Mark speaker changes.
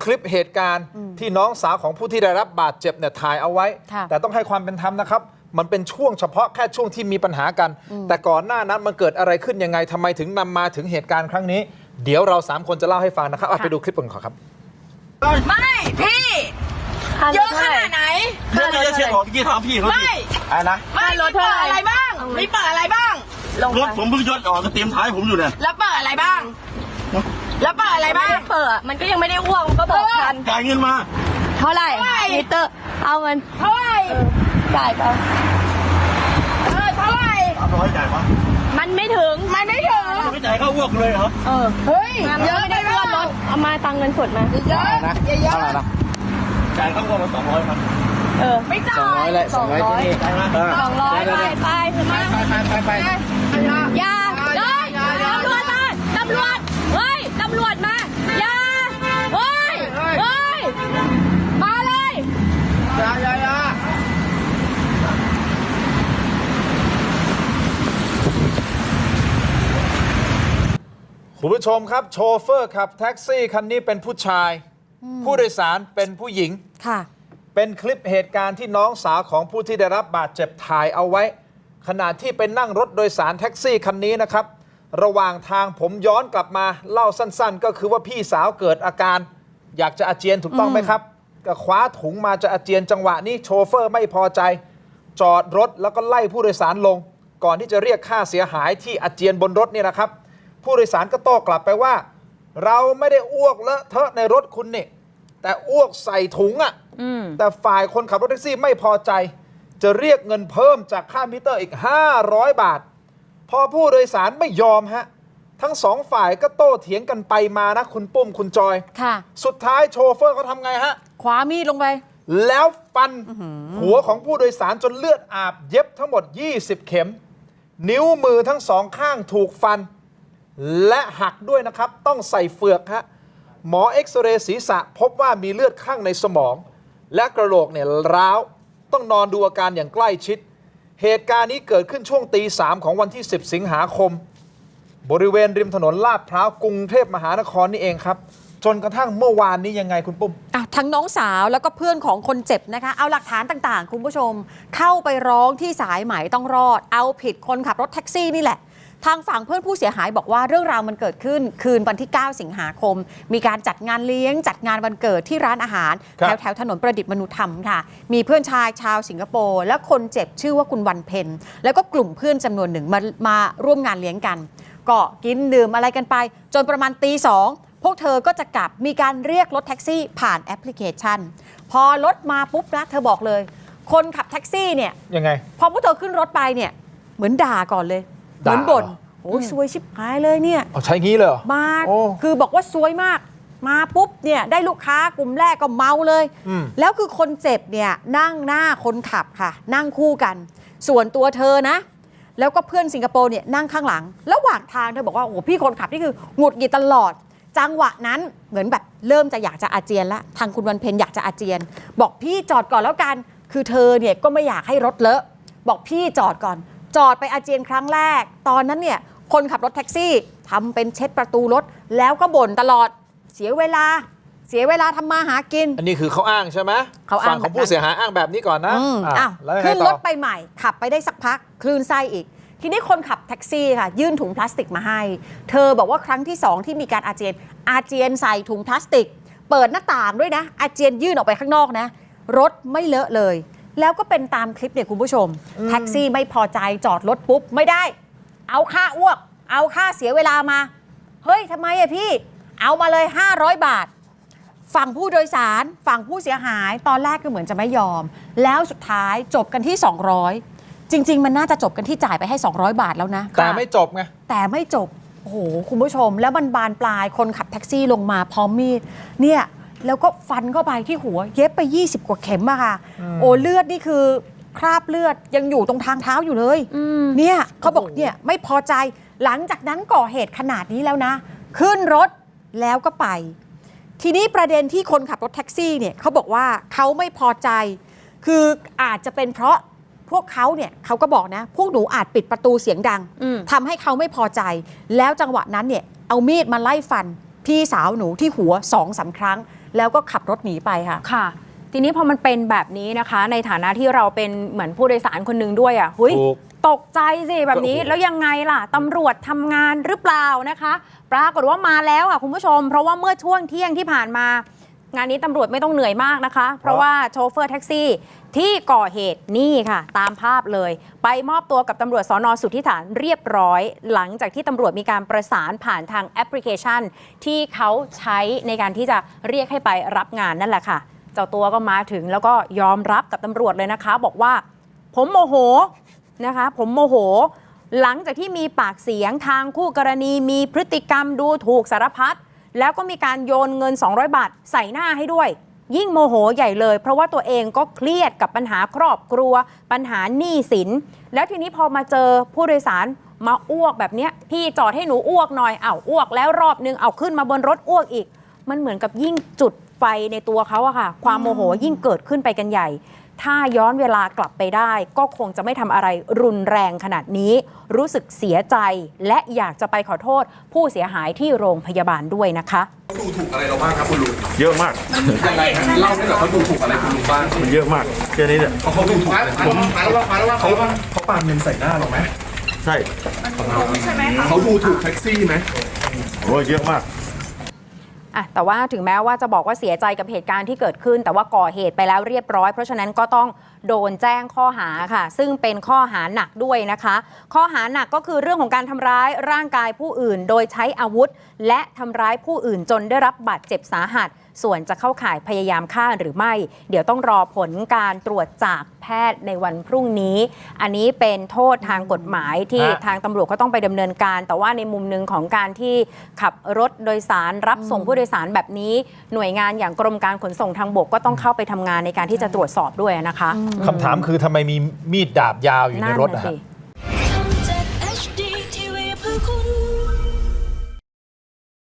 Speaker 1: ลิปเหตุการณ์ที่น้องสาวของผู้ที่ได้รับบาดเจ็บเนี่ยถ่ายเอาไว้แต่ต้องให้ความเป็นธรรมนะครับมันเป็นช่วงเฉพาะแค่ช่วงที่มีปัญหากันแต่ก่อนหน้านั้นมันเกิดอะไรขึ้นยังไงทำไมถึงนำมาถึงเหตุการณ์ครั้งนี้เดี๋ยวเรา3คนจะเล่าให้ฟังนะครับไปดูคลิปกันก่อนครับ
Speaker 2: ไม่พี่เยอะขนาดไหน
Speaker 3: เรื่องนี้จะเช็คของที่ถามพี่เขาดิอะไรนะ
Speaker 2: ไม่รถเปิดอะไรบ้างไม่เปิดอะไรบ้าง
Speaker 3: รถผมเพิ่งยศออกก็เตรียมท้ายผมอยู่เนี่ย
Speaker 2: แล้วเปิดอะไรบ้างแล้วเปิดอะไรบ้าง
Speaker 4: เปิดมันก็ยังไม่ได้อ้วกก็บอกทัน
Speaker 3: จ่ายเงินมา
Speaker 4: เท่าไหร่มิเตอร์เอาเงิน
Speaker 2: เท่าไหร่
Speaker 4: จ่ายไป
Speaker 2: เท่าไหร่
Speaker 3: 300จ่ายปะ
Speaker 4: มันไม่ถึง
Speaker 3: ไม่จ่ายเข้าอ้วกเลยเหรอ
Speaker 2: เฮ้ยเยอะ
Speaker 4: ไม่ได้อ้วกรถเอามาตังเงินสดมา
Speaker 2: เยอะเยอะ
Speaker 3: จ่ายเข้าอ้วกมา200ครับ
Speaker 2: ไม่จ่าย
Speaker 1: 200แหละ200ที่นี่
Speaker 4: 200ไปอย่าเลยตำรวจเฮ้ยตำรวจมาอย่าเฮ้ยมาเลย
Speaker 1: อย่าคุณผู้ชมครับโชเฟอร์ขับแท็กซี่คันนี้เป็นผู้ชายผู้โดยสารเป็นผู้หญิง
Speaker 4: ค่ะ
Speaker 1: เป็นคลิปเหตุการณ์ที่น้องสาวของผู้ที่ได้รับบาดเจ็บถ่ายเอาไว้ขณะที่ไปนั่งรถโดยสารแท็กซี่คันนี้นะครับระหว่างทางผมย้อนกลับมาเล่าสั้นๆก็คือว่าพี่สาวเกิดอาการอยากจะอาเจียนถูกต้องไหมครับก็คว้าถุงมาจะอาเจียนจังหวะนี้โชเฟอร์ไม่พอใจจอดรถแล้วก็ไล่ผู้โดยสารลงก่อนที่จะเรียกค่าเสียหายที่อาเจียนบนรถนี่นะครับผู้โดยสารก็โต้กลับไปว่าเราไม่ได้อ้วกเลอะเทอะในรถคุณนี่แต่อ้วกใส่ถุงอ่ะแต่ฝ่ายคนขับรถแท็กซี่ไม่พอใจจะเรียกเงินเพิ่มจากค่ามิเตอร์อีก500 บาทพอผู้โดยสารไม่ยอมฮะทั้งสองฝ่ายก็โต้เถียงกันไปมานะคุณปุ้มคุณจอย
Speaker 4: ค่ะ
Speaker 1: สุดท้ายโชเฟอร์เขาทำไงฮะ
Speaker 4: คว้ามีดลงไป
Speaker 1: แล้วฟันหัวของผู้โดยสารจนเลือดอาบเย็บทั้งหมด20 เข็มนิ้วมือทั้งสองข้างถูกฟันและหักด้วยนะครับต้องใส่เฟือกฮะหมอเอ็กซเรย์ศีรษะพบว่ามีเลือดข้างในสมองและกระโหลกเนี่ยร้าวต้องนอนดูอาการอย่างใกล้ชิดเหตุการณ์นี้เกิดขึ้นช่วงตี 3ของวันที่10 สิงหาคมบริเวณริมถนนลาดพร้าวกรุงเทพมหานครนี่เองครับจนกระทั่งเมื่อวานนี้ยังไงคุณปุ้ม
Speaker 4: ทั้งน้องสาวแล้วก็เพื่อนของคนเจ็บนะคะเอาหลักฐานต่างๆคุณผู้ชมเข้าไปร้องที่สายไหมต้องรอดเอาผิดคนขับรถแท็กซี่นี่แหละทางฝั่งเพื่อนผู้เสียหายบอกว่าเรื่องราวมันเกิดขึ้นคืนวันที่9 สิงหาคมมีการจัดงานเลี้ยงจัดงานวันเกิดที่ร้านอาหารแถวถนนประดิษฐ์มนุธรรมค่ะมีเพื่อนชายชาวสิงคโปร์และคนเจ็บชื่อว่าคุณวันเพ็ญแล้วก็กลุ่มเพื่อนจำนวนหนึ่งมาร่วมงานเลี้ยงกันก็กินดื่มอะไรกันไปจนประมาณตี 2พวกเธอก็จะกลับมีการเรียกรถแท็กซี่ผ่านแอปพลิเคชันพอรถมาปุ๊บนะเธอบอกเลยคนขับแท็กซี่เนี่ย
Speaker 1: ยังไง
Speaker 4: พอพวกเธอขึ้นรถไปเนี่ยเหมือนด่าก่อนเลยเหมือนบ่นโอ้ยซวยชิบหายเลยเนี่ย
Speaker 1: ใช้งี้เลย
Speaker 4: มาคือบอกว่าซวยมากมาปุ๊บเนี่ยได้ลูกค้ากลุ่มแรกก็เมาเลยแล้วคือคนเจ็บเนี่ยนั่งหน้าคนขับค่ะนั่งคู่กันส่วนตัวเธอนะแล้วก็เพื่อนสิงคโปร์เนี่ยนั่งข้างหลังระหว่างทางเธอบอกว่าโอ้พี่คนขับนี่คือหงุดหงิดตลอดจังหวะนั้นเหมือนแบบเริ่มจะอยากจะอาเจียนละทางคุณวันเพ็ญอยากจะอาเจียนบอกพี่จอดก่อนแล้วกันคือเธอเนี่ยก็ไม่อยากให้รถเลอะบอกพี่จอดก่อนจอดไปอาเจียนครั้งแรกตอนนั้นเนี่ยคนขับรถแท็กซี่ทำเป็นเช็ดประตูรถแล้วก็บ่นตลอดเสียเวลาทำมาหากิน
Speaker 1: อันนี้คือเขาอ้างใช่ไหมฝั่งของผู้เสียหายอ้างแบบนี้ก่อนนะ
Speaker 4: ขึ้นรถไปใหม่ขับไปได้สักพักคลื่นไส้อีกทีนี้คนขับแท็กซี่ค่ะยื่นถุงพลาสติกมาให้เธอบอกว่าครั้งที่2ที่มีการอาเจียนใส่ถุงพลาสติกเปิดหน้าต่างด้วยนะอาเจียนยื่นออกไปข้างนอกนะรถไม่เลอะเลยแล้วก็เป็นตามคลิปเนี่ยคุณผู้ชมแท็กซี่ไม่พอใจจอดรถปุ๊บไม่ได้เอาค่าอ้วกเอาค่าเสียเวลามาเฮ้ยทำไมอะพี่เอามาเลย500 บาทฝั่งผู้โดยสารฝั่งผู้เสียหายตอนแรกก็เหมือนจะไม่ยอมแล้วสุดท้ายจบกันที่200จริงๆมันน่าจะจบกันที่จ่ายไปให้200 บาทแล้วนะ
Speaker 1: แต่ไม่จบไง
Speaker 4: แต่ไม่จบโอ้โหคุณผู้ชมแล้วมันบานปลายคนขับแท็กซี่ลงมาพร้อมมีดเนี่ยแล้วก็ฟันเข้าไปที่หัวเย็บไป20 กว่าเข็มอะค่ะโอ้เลือดนี่คือคราบเลือดยังอยู่ตรงทางเท้าอยู่เลยเนี่ยเขาบอกเนี่ยไม่พอใจหลังจากนั้นก่อเหตุขนาดนี้แล้วนะขึ้นรถแล้วก็ไปทีนี้ประเด็นที่คนขับรถแท็กซี่เนี่ยเขาบอกว่าเขาไม่พอใจคืออาจจะเป็นเพราะพวกเขาเนี่ยเขาก็บอกนะพวกหนูอาจปิดประตูเสียงดังทำให้เขาไม่พอใจแล้วจังหวะนั้นเนี่ยเอามีดมาไล่ฟันพี่สาวหนูที่หัว2-3 ครั้งแล้วก็ขับรถหนีไปค่ะ
Speaker 5: ค่ะ ทีนี้พอมันเป็นแบบนี้นะคะ ในฐานะที่เราเป็นเหมือนผู้โดยสารคนหนึ่งด้วยหุย
Speaker 1: ถูก
Speaker 5: ตกใจสิแบบนี้
Speaker 1: ก็โอ้โห
Speaker 5: แล้วยังไงล่ะตำรวจทำงานหรือเปล่านะคะ ปรากฏว่ามาแล้วคุณผู้ชม เพราะว่าเมื่อช่วงเที่ยงที่ผ่านมา งานนี้ตำรวจไม่ต้องเหนื่อยมากนะคะ เพราะว่าโชเฟอร์แท็กซี่ที่ก่อเหตุนี่ค่ะ ตามภาพเลย ไปมอบตัวกับตำรวจสนสุทธิฐานเรียบร้อย หลังจากที่ตำรวจมีการประสานผ่านทางแอปพลิเคชัน ที่เขาใช้ในการที่จะเรียกให้ไปรับงานนั่นแหละค่ะ เจ้าตัวก็มาถึงแล้วก็ยอมรับกับตำรวจเลยนะคะ บอกว่าผมโมโหนะคะ ผมโมโห หลังจากที่มีปากเสียงทางคู่กรณีมีพฤติกรรมดูถูกสารพัดแล้วก็มีการโยนเงิน200 บาทใส่หน้าให้ด้วย ยิ่งโมโหใหญ่เลย เพราะว่าตัวเองก็เครียดกับปัญหาครอบครัว ปัญหาหนี้สิน แล้วทีนี้พอมาเจอผู้โดยสารมาอ้วกแบบเนี้ยพี่จอดให้หนูอ้วกหน่อยอ้วกแล้วรอบนึงขึ้นมาบนรถอ้วกอีก มันเหมือนกับยิ่งจุดไฟในตัวเขาอะค่ะ ความโมโหยิ่งเกิดขึ้นไปกันใหญ่ ถ้าย้อนเวลากลับไปได้ ก็คงจะไม่ทำอะไรรุนแรงขนาดนี้ รู้สึกเสียใจและอยากจะไปขอโทษผู้เสียหายที่โรงพยาบาลด้วยนะคะ
Speaker 6: ดูถูกอะไรเราบ้างครับคุณลุง
Speaker 3: เยอะมาก
Speaker 6: ยังไงฮะเล่าให้หน่อยเขาดูถูกอะไรคุณลุงบ้าง
Speaker 3: มันเยอะมากแค่นี้เนี่ย
Speaker 6: เขาดูถูกอะไรเขาปาเงินใส่หน้าเราไหม
Speaker 3: ใช่
Speaker 6: เขาดูถูกแท็กซี่ไหม
Speaker 3: โอ้เยอะมาก
Speaker 5: แต่ว่าถึงแม้ว่าจะบอกว่าเสียใจกับเหตุการณ์ที่เกิดขึ้น แต่ว่าก่อเหตุไปแล้วเรียบร้อย เพราะฉะนั้นก็ต้องโดนแจ้งข้อหาค่ะ ซึ่งเป็นข้อหาหนักด้วยนะคะ ข้อหาหนักก็คือเรื่องของการทำร้ายร่างกายผู้อื่น โดยใช้อาวุธ และทำร้ายผู้อื่นจนได้รับบาดเจ็บสาหัส ส่วนจะเข้าข่ายพยายามฆ่าหรือไม่ เดี๋ยวต้องรอผลการตรวจจากแพทย์ในวันพรุ่งนี้ อันนี้เป็นโทษทางกฎหมายที่ทางตำรวจก็ต้องไปดำเนินการ แต่ว่าในมุมหนึ่งของการที่ขับรถโดยสารรับส่งผู้โดยสารแบบนี้ หน่วยงานอย่างกรมการขนส่งทางบกก็ต้องเข้าไปทำงานในการที่จะตรวจสอบด้วยนะคะ
Speaker 1: คำถามคือทำไมมีมีดดาบยาวอยู่ในรถ
Speaker 5: นั่น
Speaker 1: นะ
Speaker 5: น่ะ
Speaker 1: ฮะ
Speaker 5: สิ